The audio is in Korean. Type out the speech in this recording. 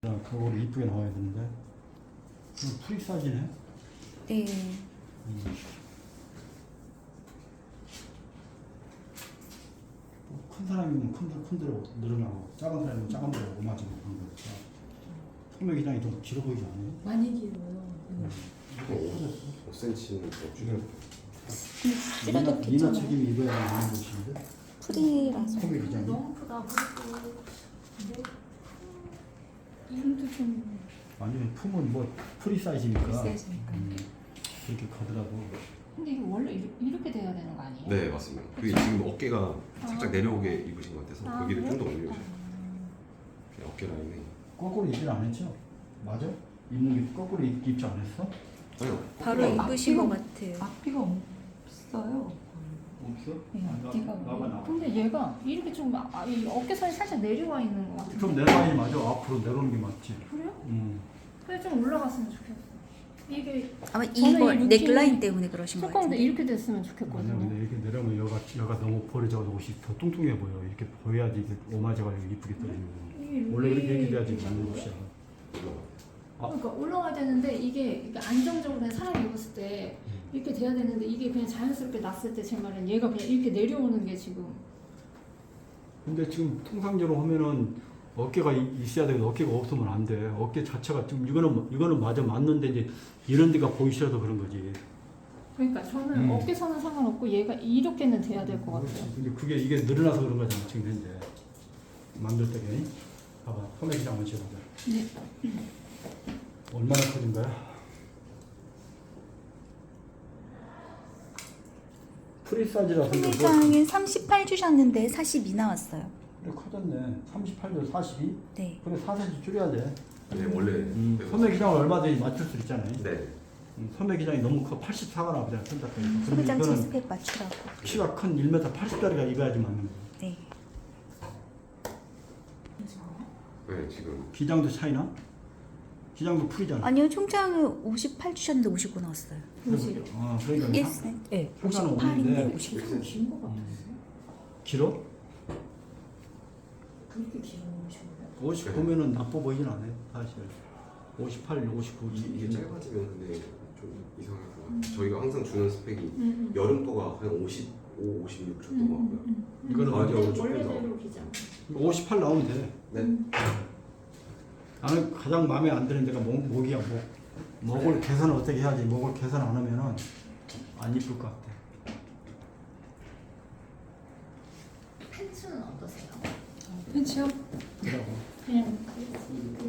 그거를 이쁘게 나와야 되는데 프리 사이즈네. 네. 큰 사람이면 큰 대로 늘어나고 작은 사람이면 작은 대로 오마지 그런 거니까 소매 기장이 좀 길어 보이지 않아요? 많이 길어요. 5cm는 더 줄여. 줄여도 미나 괜찮아요. 책임이 입어야 하는 것인데 프리라서. 소매 기장이 너무 크다. 그리고 근데 이름도 좀 완전히 품은 뭐 프리 사이즈니까 세지니까. 그렇게 가더라도 근데 이게 원래 이렇게 돼야 되는 거 아니에요? 네, 맞습니다. 그게 지금 어깨가 살짝 내려오게 입으신 것 같아서 거기를 좀 더 올려주세요. 어깨 라인에. 거꾸로 입질 안 했죠? 맞아? 입는 게 거꾸로 입지 않았어? 아니요. 바로 입으신 것 같아요. 앞뒤가 없어요. 없어? 네, 아, 앞뒤가. 나봐. 근데 얘가 이렇게 좀 이 어깨선이 살짝 내려와 있는 것 같아요. 좀 내려가니 맞아. 앞으로 내려오는 게 맞지. 그래요? 음. 좀 올라갔으면 좋겠어. 이게 아마 저는 이거 이 느낌이 넥라인 때문에 그러신 것 조금 더 같은데. 이렇게 됐으면 아니야, 좋겠거든요. 근데 이렇게 내려오면 여가 너무 버려져서 옷이 더 뚱뚱해 보여. 이렇게 보여야지 이게 오마제가 이쁘게 떨어지는. 원래 이렇게 돼야지 맞는 옷이야. 그러니까 올라가야 되는데 이게 안정적으로 그냥 사람이 입었을 때 이렇게 돼야 되는데 이게 그냥 자연스럽게 났을 때 제 말은 얘가 그냥 이렇게 내려오는 게 지금 근데 지금 통상적으로 하면은 어깨가 있어야 되고 어깨가 없으면 안 돼. 어깨 자체가 지금 이거는 맞아 맞는데 이제 이런 데가 보이셔서 그런 거지. 그러니까 저는 어깨선은 상관없고 얘가 이렇게는 돼야 될 것 같아요. 그렇지. 근데 이게 늘어나서 그런 거잖아 지금 현재. 만들 때에 봐봐 소매 기장 한번 재보자. 네. 얼마나 커진 거야? 프리 사이즈라서 뭐 소매장은 38 주셨는데 42 나왔어요. 그래 커졌네. 38도 42? 네. 그래 4cm 줄여야 돼. 네, 원래. 소매 기장을 얼마든지 맞출 수 있잖아요. 네. 소매 기장이 너무 커 84가 나오잖아. 손잡고. 소매장 이거는 체스펙 맞추라고. 키가 큰 1m 80짜리가 입어야지 맞는 거야. 네. 네, 지금. 기장도 차이나? 기장도 풀이잖아. 아니요, 총장은 58 주셨는데 59 나왔어요. 보시죠. 그러니까 예스. 네. 효과는 58인데 없는데 59. 좀 긴 것 같았어요. 길어? 그렇게 길어오신 50 보면은 나빠 보이진 않아요. 사실 58, 59 이게 짧아지면 근데 좀 이상할 것 같아요. 저희가 항상 주는 스펙이 여름도가 한 55, 56 줬던 것 같고요. 이거는 가을여름은 조금 더. 원래대로 기장. 58 나오면 돼. 네. 나는 가장 마음에 안 드는 데가 목이야. 목을 개선 어떻게 해야지. 목을 개선 안 하면은 안 이쁠 것 같아. 팬츠는 어떠세요? 팬츠요? 그러고 그냥